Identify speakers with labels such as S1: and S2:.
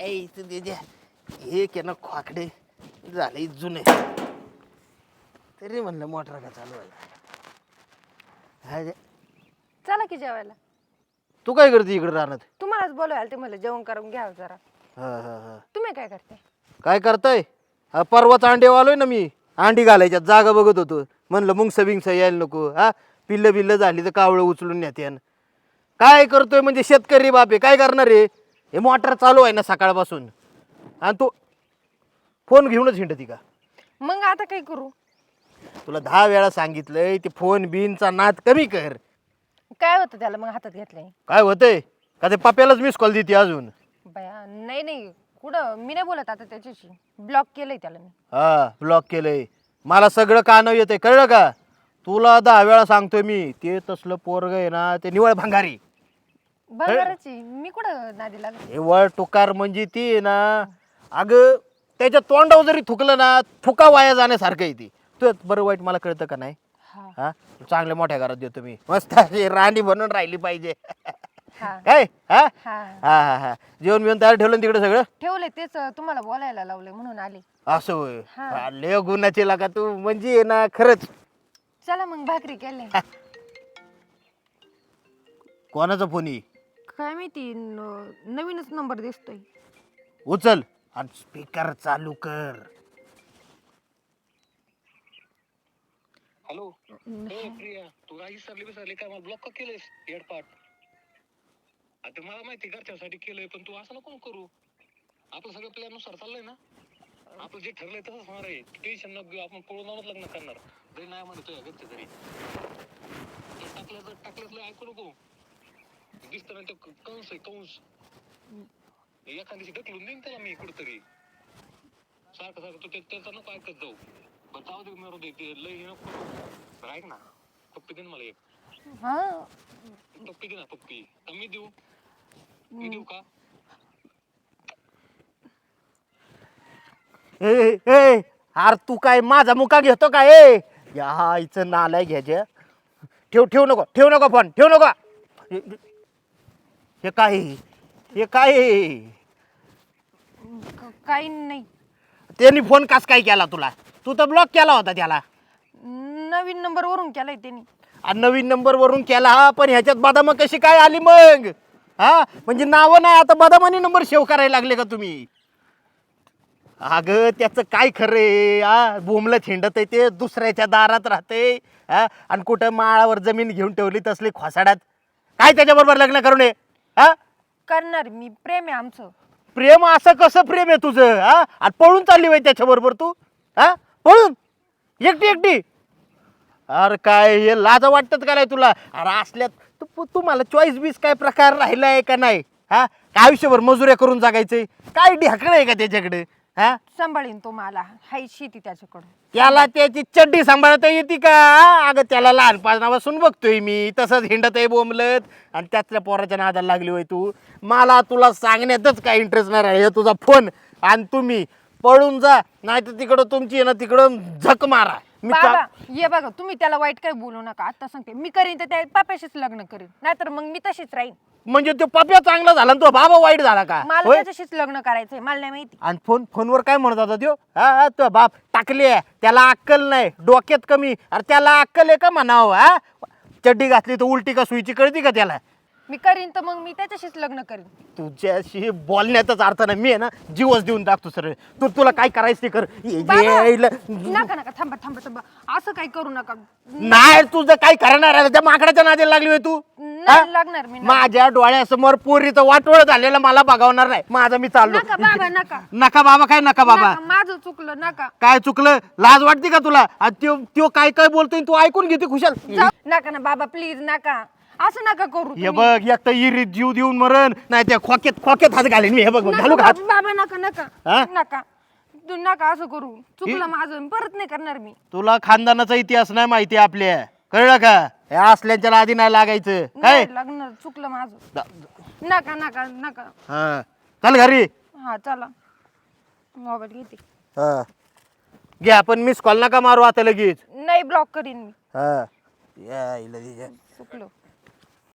S1: काय इथं त्याच्या एक आहे ना खोकडे झाले जुने तरी म्हणलं मोटर का चालू आहे.
S2: चला की जेवायला.
S1: तू काय करते इकडे राहणार?
S2: तुम्हालाच बोलवायला ते मला जेवण करून घ्या जरा.
S1: हा
S2: तुम्ही काय करते?
S1: काय करताय? हा परवाच अंडे वालोय ना मी. अंडी घालायच्यात जागा बघत होतो. म्हणलं मुंगस बिंगस यायला नको. हा पिल्लं बिल्लं झाली तर कावळं उचलून नेत्यान. काय करतोय म्हणजे शेतकरी बापे काय करणार आहे? हे मोटर चालू आहे ना सकाळपासून आणि तू फोन घेऊनच हिंडती का?
S2: मग आता काय करू?
S1: तुला 10 वेळा सांगितलंय ते फोन बिनचा नाद कमी कर.
S2: काय होतं त्याला मग हातात घेतलंय?
S1: काय होतंय का ते पप्यालाच मिस कॉल देते अजून?
S2: बया नाही नाही कुठं मी नाही बोलत आता त्याच्याशी. ब्लॉक केलंय त्याला मी.
S1: हा ब्लॉक केलंय. मला सगळं कानावर येतंय कळलं का? तुला 10 वेळा सांगतोय मी ते तसलं पोरग आहे ना ते निवळ भंगारी.
S2: बघाराची मी कुठं नादी लागत.
S1: निवळ टुकार म्हणजे ती आहे ना अगं त्याच्या तोंडावर जरी थुकलं ना थुका वाया जाण्यासारखं आहे ती. तू बरं वाईट मला कळतं का नाही?
S2: हा
S1: हा चांगल्या मोठ्या घरात देतो मी मस्त अशी राणी बनून राहिली पाहिजे.
S2: हा
S1: काय हा
S2: हा
S1: हा हा हा जेवण बिवण तयार ठेवलं ना तिकडे सगळं?
S2: ठेवले तेच तुम्हाला बोलायला लावले म्हणून आले.
S1: असं होय.
S2: हा.
S1: लय गुणाची लागा तू म्हणजे आहे ना खरंच.
S2: चला मग भाकरी केले.
S1: कोणाचा फोन आहे?
S2: काय माहिती नवीनच नंबर दिसतोय.
S1: उचल आणि स्पीकर चालू कर.
S3: हॅलो प्रिया तू काही विसरली काय मला ब्लॉक का केलंयस हेडपाट? आता मला माहिती घरच्यासाठी केलंय पण तू असं नको करू. आपलं सगळं प्लॅन नुसार चाललंय ना. आपलं जे ठरलंय तसंच होणार आहे. टेन्शन नको घेऊ. आपण पळून जाऊनच लग्न करणार जरी नाही म्हणतोय घरचे तरी. टाकल्याच ऐकू नको. दिसत ना ते कंस आहे कंस. एखाद्याशी ढकलून देईन त्याला मी कुठतरी. सारखं सारखं तू त्याचा नको ऐकत जाऊ. बरं जाऊ दे मरू दे ते लय नको. बरं ऐक ना पप्पी दे ना मला एक.
S2: हा
S3: पप्पी दे ना पप्पी. मी देऊ? मी देऊ का?
S1: ए ए अरे तू काय माझा मुका घेतो का? ए या इथं नालाय घ्यायच्या. ठेव नको फोन ठेव नको. हे काय हे काय?
S2: काही नाही.
S1: त्यांनी फोन कस काय केला तुला? तू तर ब्लॉक केला होता त्याला.
S2: नवीन नंबर वरून केलाय त्यांनी.
S1: आणि नवीन नंबर वरून केला पण ह्याच्यात बदाम कशी काय आली मग? हा म्हणजे नावं नाही आता बदामानी नंबर सेव्ह करायला लागले का तुम्ही? अगं त्याचं काय खरंय? हा बोमलं थिंडत आहे ते दुसऱ्याच्या दारात राहते. हा आणि कुठं माळावर जमीन घेऊन ठेवली तसली खोसाड्यात. काय त्याच्याबरोबर लग्न करू नये? हा
S2: करणार मी. प्रेम आहे आमचं.
S1: प्रेम असं कसं प्रेम आहे तुझं? हा आणि पळून चालली बाई त्याच्याबरोबर तू? हा पळून एकटी? अरे काय हे लाज वाटतात का नाही तुला? अरे असल्यात तुम्हाला चॉईस बीस काय प्रकार राहिलाय का नाही? हा आयुष्यभर मजुऱ्या करून जगायचंय काय ढाकळ आहे का त्याच्याकडे? हा
S2: सांभाळीन तो मला. हाय शेती त्याच्याकडं.
S1: त्याला त्याची चड्डी सांभाळता येते का? अगं त्याला लहानपणापासून बघतोय मी तसंच हिंडत आहे बोंबलत आणि त्यातल्या पोराच्या नादाला लागली होय तू. मला तुला सांगण्यातच काय इंटरेस्ट नाही राहिला. तुझा फोन आणि तुम्ही पळून जा नाही तर तिकडं तुमची आहे ना तिकडं झक मारा.
S2: बाबा ये बघा तुम्ही त्याला वाईट काही बोलू नका. आता सांगते मी करीन तर त्या पाप्याशीच लग्न करीन नाहीतर मग मी तशीच राहीन.
S1: म्हणजे तो पप्या चांगला झाला आणि तो बाबा वाईट झाला का?
S2: मला त्याच्याशीच लग्न करायचंय. मला नाही माहिती.
S1: आणि फोनवर काय म्हणत होता त्यो? हा तो बाप टाकले त्याला अक्कल नाही डोक्यात कमी. अरे त्याला अक्कल आहे का म्हणावं? हा चड्डी घातली तर उलटी का सुईची कळती का त्याला?
S2: मी करीन तर मग मी त्याच्याशीच लग्न करीन.
S1: तुझ्याशी बोलण्यातच अर्थ नाही. मी आहे ना जीवच देऊन टाकतो सर. तुला काय करायचं ते कर.
S2: नका थांबा असं काही करू नका.
S1: नाही तुझं काय करणार आहे? त्या माकडाच्या नादी लागली होय तू?
S2: नाही लागणार मी.
S1: माझ्या डोळ्यासमोर पोरीचं वाटोळ झालेलं मला बघावणार नाही. माझा मी चाललो.
S2: नका बाबा नका.
S1: नका बाबा काय नका बाबा?
S2: माझं चुकलं नका.
S1: काय चुकलं? लाज वाटते का तुला? त्यो काय बोलतोय तू ऐकून घेते खुशाल.
S2: नका ना बाबा प्लीज नका. असं नका करू.
S1: हे बघ एक तर इरीत जीव देऊन मरण नाही त्या खोक्यात हात घालेन मी. हे बघ घालू का हात?
S2: बाबा नका तू नका असं करू. चुकलं माझं परत नाही करणार मी.
S1: तुला खानदानाचा इतिहास नाही माहिती आपल्या कळलं का? हे असल्याच्या आधी नाही लागायचं काय?
S2: लग्न चुकलं माझं. नका.
S1: हा चल घरी.
S2: हा चला मोबाईल घेते.
S1: हा घे आपण मिस कॉल नका मारू आता लगेच.
S2: नाही ब्लॉक करीन मी.
S1: हा या
S2: चुकलो.